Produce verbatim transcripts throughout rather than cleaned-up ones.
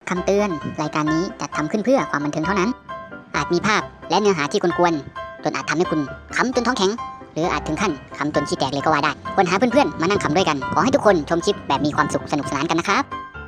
คำเตือนรายการนี้จัดทำขึ้นเพื่อความบันเทิงเท่านั้น อาจมีภาพและเนื้อหาที่กวนๆจนอาจทำให้คุณขำจนท้องแข็งหรืออาจถึงขั้นขำจนขี้แตกเลยก็ว่าได้ควรหาเพื่อนๆมานั่งขำด้วยกันขอให้ทุกคนชมคลิปแบบมีความสุขสนุกสนานกันนะครับ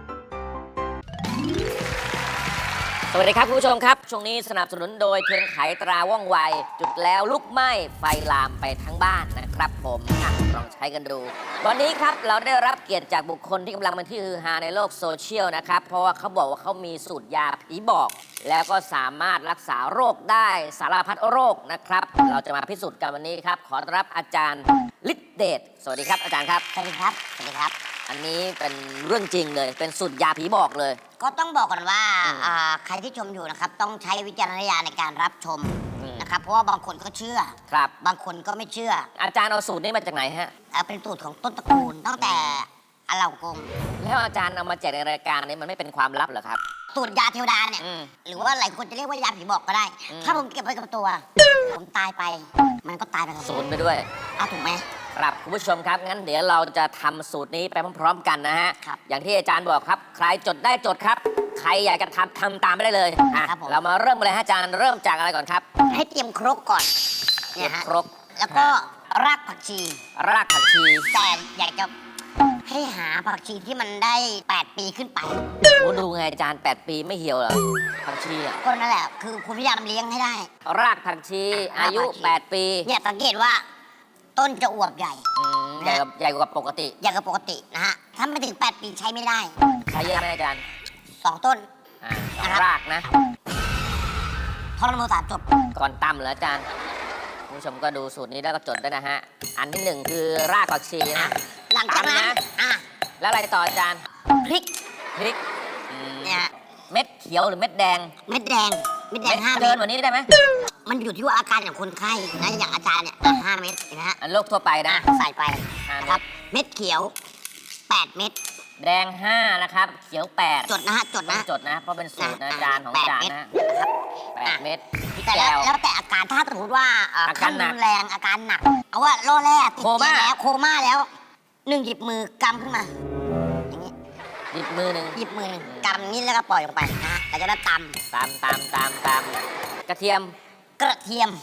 สวัสดีครับคุณผู้ชมครับช่วงนี้สนับสนุนโดยเทียนไขตราว่องไวจุดแล้วลุกไหม้ไฟลามไปทั้งบ้านนะครับผมลองใช้กันดูวันนี้ครับเราได้รับเกียรติจากบุคคลที่กำลังเป็นที่ฮือฮาในโลกโซเชียลนะครับเพราะว่าเขาบอกว่าเขามีสูตรยาผีบอกแล้วก็สามารถรักษาโรคได้สารพัดโรคนะครับเราจะมาพิสูจน์กันวันนี้ครับขอต้อนรับอาจารย์ฤทธิเดชสวัสดีครับอาจารย์ครับสวัสดีครับสวัสดีครับอันนี้เป็นเรื่องจริงเลยเป็นสูตรยาผีบอกเลยก็ต้องบอกก่อนว่าใครที่ชมอยู่นะครับต้องใช้วิจารณญาณในการรับชมนะครับเพราะว่าบางคนก็เชื่อครับบางคนก็ไม่เชื่ออาจารย์เอาสูตรนี้มาจากไหนฮะเป็นสูตรของต้นตระกูลตั้งแต่อาเหล่ากงแล้วอาจารย์เอามาแจกในรายการนี้มันไม่เป็นความลับเหรอครับสูตรยาเทวดาเนี่ยหรือว่าหลายคนจะเรียกว่ายาผีบอกก็ได้ถ้าผมเก็บไว้กับตัวผมตายไปมันก็ตายไปกับสูตรไปด้วยอ้าวถูกไหมครับคุณผู้ชมครับงั้นเดี๋ยวเราจะทำสูตรนี้ไปพร้อมๆกันนะฮะอย่างที่อาจารย์บอกครับใครจดได้จดครับใครอยากจะทำทำตามไปได้เลยเรามาเริ่มเลยฮะอาจารย์เริ่มจากอะไรก่อนครับให้เตรียมครกก่อนเนี่ยฮะครกแล้วก็รากผักชีรากผักชีแต่อยากจะให้หาผักชีที่มันได้แปดปีขึ้นไปโอ้ดูไงอาจารย์แปดปีไม่เหี่ยวเหรอผักชีอ่ะก็นั่นแหละคือคุณพยายามเลี้ยงให้ได้รากผักชีอายุแปดปีเนี่ยสังเกตว่าต้นจะอวบใหญ่ใหญ่กว่าใหญ่กว่าปกติใหญ่กว่าปกตินะฮะถ้าไม่ถึงแปดปีใช้ไม่ได้ใช้เยอะไหมอาจารย์สองต้นรากนะท่อนโมสามจบก่อนตำเหรออาจารย์คุณผู้ชมก็ดูสูตรนี้แล้วก็จดด้วยนะฮะอันที่หนึ่งคือรากผักชีนะหลังจากนั้นอ่ะแล้วอะไรต่ออาจารย์พริกพริกเนี่ยเม็ดเขียวหรือเม็ดแดงเม็ดแดงเม็ดแดงห้าเกินกว่านี้ได้ไหมมันอยู่ที่ว่าอาการของคนไข้นะอย่างอาจารย์เนี่ยห้าเม็ดนะฮะอันโรคทั่วไปนะใส่ไปครับเม็ดเขียวแปดเม็ดแดงห้านะครับเขียวแปดจดนะฮะจดนะจดนะเพราะเป็นสูตรอาจารย์ของอาจารย์นะแปดเม็ดแต่แล้วแต่อาการถ้าสมมติว่าอาการรุนแรงอาการหนักเอาว่าโรคแรกติดเตียงแล้วโคม่าแล้วหนึ่งหยิบมือกำขึ้นมาอย่างนี้หยิบมือหนึ่งหยิบมือหนึ่งกำนี้แล้วก็ปล่อยลงไปนะแล้วจะได้ตำตำตำตำตำกระเทียมกระเทียม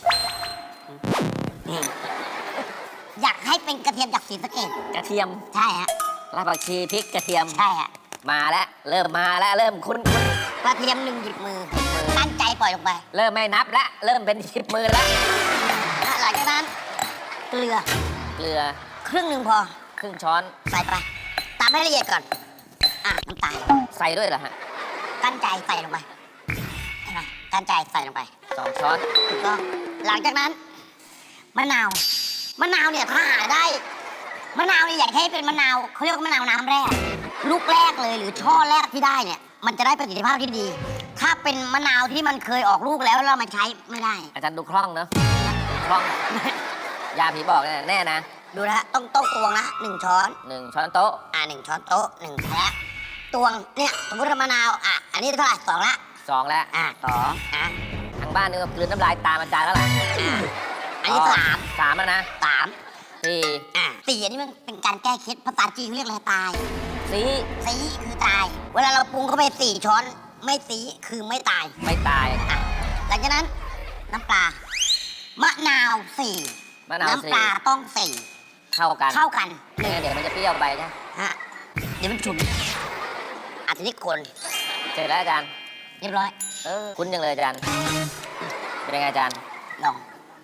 อยากให้เป็นกระเทียมจากศรีสะเกษกระเทียมใช่ฮะรากผักชีพริกกระเทียมใช่ฮะมาแล้วเริ่มมาแล้วเริ่มคุ้นคุ้นกระเทียมหนึ่งหยิบมือตั้งใจปล่อยลงไปเริ่มไม่นับแล้วเริ่มเป็นหยิบมือแล้วหลังจากนั้นเกลือเกลือครึ่งหนึ่งพอครึ่งช้อนใส่ไปตามให้ละเอียดก่อนอ่ะน้ำตาลใส่ด้วยเหรอฮะกั้นใจใส่ลงไปเห็นไหมกั้นใจใส่ลงไปสองช้อนถูกต้องหลังจากนั้นมะนาวมะนาวเนี่ยถ้าหาได้มะนาวเนี่ยอยากให้เป็นมะนาวเขาเรียกว่ามะนาวน้ำแรกลูกแรกเลยหรือช่อแรกที่ได้เนี่ยมันจะได้ประสิทธิภาพที่ดีถ้าเป็นมะนาวที่มันเคยออกลูกแล้วเรามาใช้ไม่ได้อาจารย์ดูคล่องเนอะคล่องยาผีบอกแน่นะดูนะต้องโต๊ะตวงนะหนึ่งช้อนหนึ่งช้อนโต๊ะอ่าหนึ่งช้อนโต๊ะหนึ่งแพะตวงเนี่ยสมมติมะนาวอ่ะอันนี้เท่าไหร่สองละสองแล้วอ่ะสองอ่ะทางบ้านนี่ก็กลืนน้ำลายตามอาจารย์แล้วล่ะอันนี้สามสามแล้วนะสามสี่อ่ะสี่อันนี้มันเป็นการแก้เคล็ดภาษาจีนเขาเรียกอะไรตายสีสีคือตายเวลาเราปรุงเข้าไปสี่ช้อนไม่สีคือไม่ตายไม่ตายอ่ะหลังจากนั้นน้ำปลามะนาวสี่น้ำปลาต้องสี่เข้ากันเข้ากันเดี๋ยวมันจะเปรี้ยวไปนะฮะเดี๋ยวมันฉุนอาจจะนิดคนเสร็จแล้วอาจารย์เรียบร้อยเออคุ้นยังเลยอาจารย์เป็นยังไงอาจารย์ลอง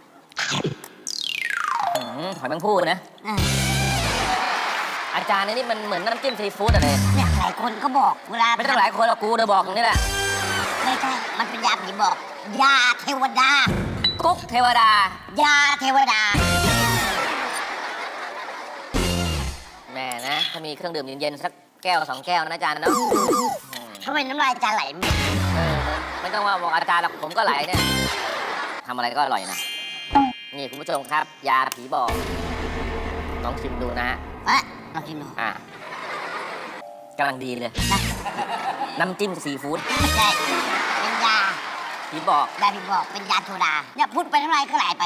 หอยแมงภู่นะอาจารย์นี่มันเหมือนน้ำจิ้มซีฟู้ดอะไรเนี่ยหลายคนก็บอกเวลาไม่ต้องหลายคนหรอกกูเดี๋ยวบอกนี่แหละไม่ใช่มันเป็นยาผีบอกยาเทวดากุ๊กเทวดายาเทวดาแม่นะถ้ามีเครื่องดื่มเย็นๆสักแก้วสองแก้วนะอาจารย์เนาะทำไมน้ำลายอาจารย์ไหลเออไม่ต้องว่าบอกอาจารย์หรอกผมก็ไหลเนี่ยทำอะไรก็อร่อยนะนี่คุณผู้ชมครับยาผีบอกลองชิมดูนะฮะอ่ะลองชิมดูอ่ะกำลังดีเลยน้ำจิ้มซีฟู้ดไม่ใช่เป็นยาผีบอกยาผีบอกเป็นยาโซดาเนี่ยพูดไปน้ำลายก็ไหลไป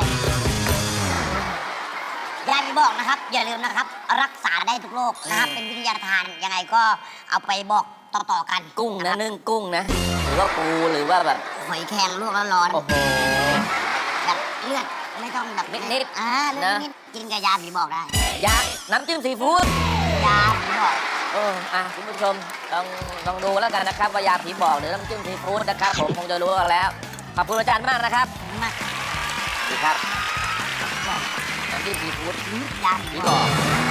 ยาผีบอกนะครับอย่าลืมนะครับรักษาได้ทุกโรคนะครับเป็นวิทยาทานยังไงก็เอาไปบอกต่อๆกันกุ้งนะนึ่งกุ้งนะหรือว่าปูหรือว่าแบบหอยแครงลวกแล้วร้อนโอ้โหแบบเลือดไม่ต้องแบบนิดๆอ่าเลือดนะนิดๆกินกับยาผีบอกได้ยาน้ำจิ้มซีฟู้ดยาผีบอกเอออ่ะคุณผู้ชมลองลองดูแล้วกันนะครับว่ายาผีบอกหรือน้ำจิ้มซีฟู้ดนะครับผมคงจะรู้กันแล้วขอบคุณอาจารย์มากนะครับมากดีครับน้ำจิ้มซีฟู้ดยาผีผีบบ ออก ก